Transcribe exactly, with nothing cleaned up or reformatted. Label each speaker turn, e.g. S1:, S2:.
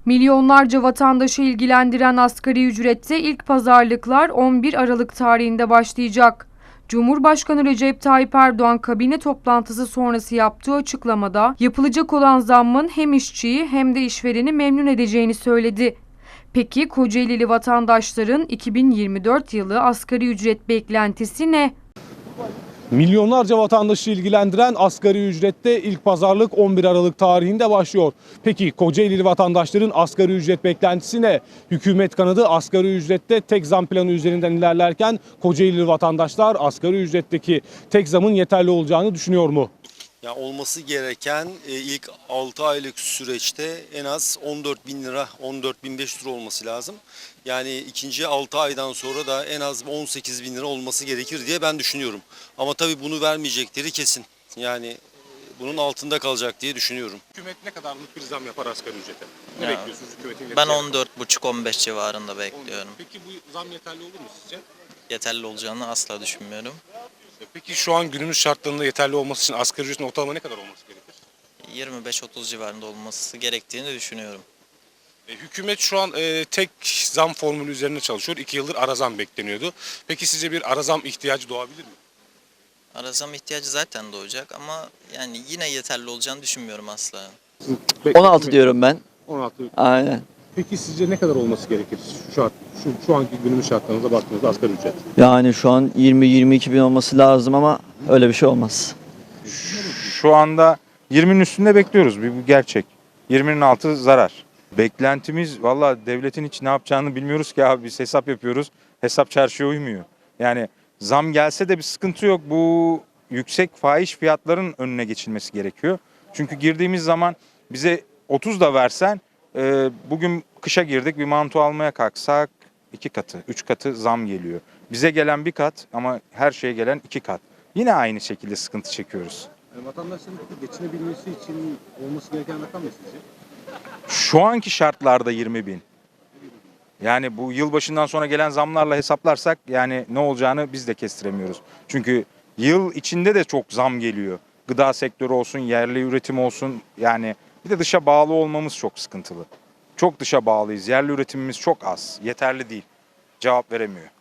S1: Milyonlarca vatandaşı ilgilendiren asgari ücrette ilk pazarlıklar on bir Aralık tarihinde başlayacak. Cumhurbaşkanı Recep Tayyip Erdoğan kabine toplantısı sonrası yaptığı açıklamada yapılacak olan zammın hem işçiyi hem de işvereni memnun edeceğini söyledi. Peki Kocaelili vatandaşların iki bin yirmi dört yılı asgari ücret beklentisi ne?
S2: Milyonlarca vatandaşı ilgilendiren asgari ücrette ilk pazarlık on bir Aralık tarihinde başlıyor. Peki Kocaelili vatandaşların asgari ücret beklentisi ne? Hükümet kanadı asgari ücrette tek zam planı üzerinden ilerlerken Kocaelili vatandaşlar asgari ücretteki tek zamın yeterli olacağını düşünüyor mu?
S3: Ya olması gereken e, ilk altı aylık süreçte en az on dört bin lira, on dört bin beş yüz lira olması lazım. Yani ikinci altı aydan sonra da en az on sekiz bin lira olması gerekir diye ben düşünüyorum. Ama tabii bunu vermeyecekleri kesin. Yani e, bunun altında kalacak diye düşünüyorum.
S2: Hükümet ne kadarlık bir zam yapar asgari ücrete? Ne
S4: Ya,
S2: bekliyorsunuz hükümetin?
S4: Ben on dört buçuk on beş civarında bekliyorum.
S2: Peki bu zam yeterli olur mu sizce?
S4: Yeterli olacağını asla düşünmüyorum.
S2: Peki şu an günümüz şartlarında yeterli olması için asgari ücretin ortalama ne kadar olması gerekir?
S4: yirmi beş otuz civarında olması gerektiğini düşünüyorum.
S2: E, hükümet şu an e, tek zam formülü üzerine çalışıyor. İki yıldır ara zam bekleniyordu. Peki sizce bir ara zam ihtiyacı doğabilir mi?
S4: Ara zam ihtiyacı zaten doğacak ama yani yine yeterli olacağını düşünmüyorum asla.
S5: on altı diyorum ben.
S2: on altı.
S5: Aynen.
S2: Peki sizce ne kadar olması gerekir şu şart, şu, şu anki günümüz şartlarınıza baktığınızda asgari ücret?
S5: Yani şu an yirmi yirmi iki bin olması lazım ama öyle bir şey olmaz.
S6: Şu anda yirminin üstünde bekliyoruz. Bir bu gerçek. yirminin altı zarar. Beklentimiz valla devletin hiç ne yapacağını bilmiyoruz ki abi. Biz hesap yapıyoruz. Hesap çarşıya uymuyor. Yani zam gelse de bir sıkıntı yok. Bu yüksek fahiş fiyatların önüne geçilmesi gerekiyor. Çünkü girdiğimiz zaman bize otuz da versen e, bugün kışa girdik bir manto almaya kalksak iki katı, üç katı zam geliyor. Bize gelen bir kat ama her şeye gelen iki kat. Yine aynı şekilde sıkıntı çekiyoruz.
S2: Yani vatandaşların geçinebilmesi için olması gereken rakam ne sizce?
S6: Şu anki şartlarda yirmi bin. Yani bu yılbaşından sonra gelen zamlarla hesaplarsak yani ne olacağını biz de kestiremiyoruz. Çünkü yıl içinde de çok zam geliyor. Gıda sektörü olsun, yerli üretim olsun yani bir de dışa bağlı olmamız çok sıkıntılı. Çok dışa bağlıyız. Yerli üretimimiz çok az. Yeterli değil. Cevap veremiyor.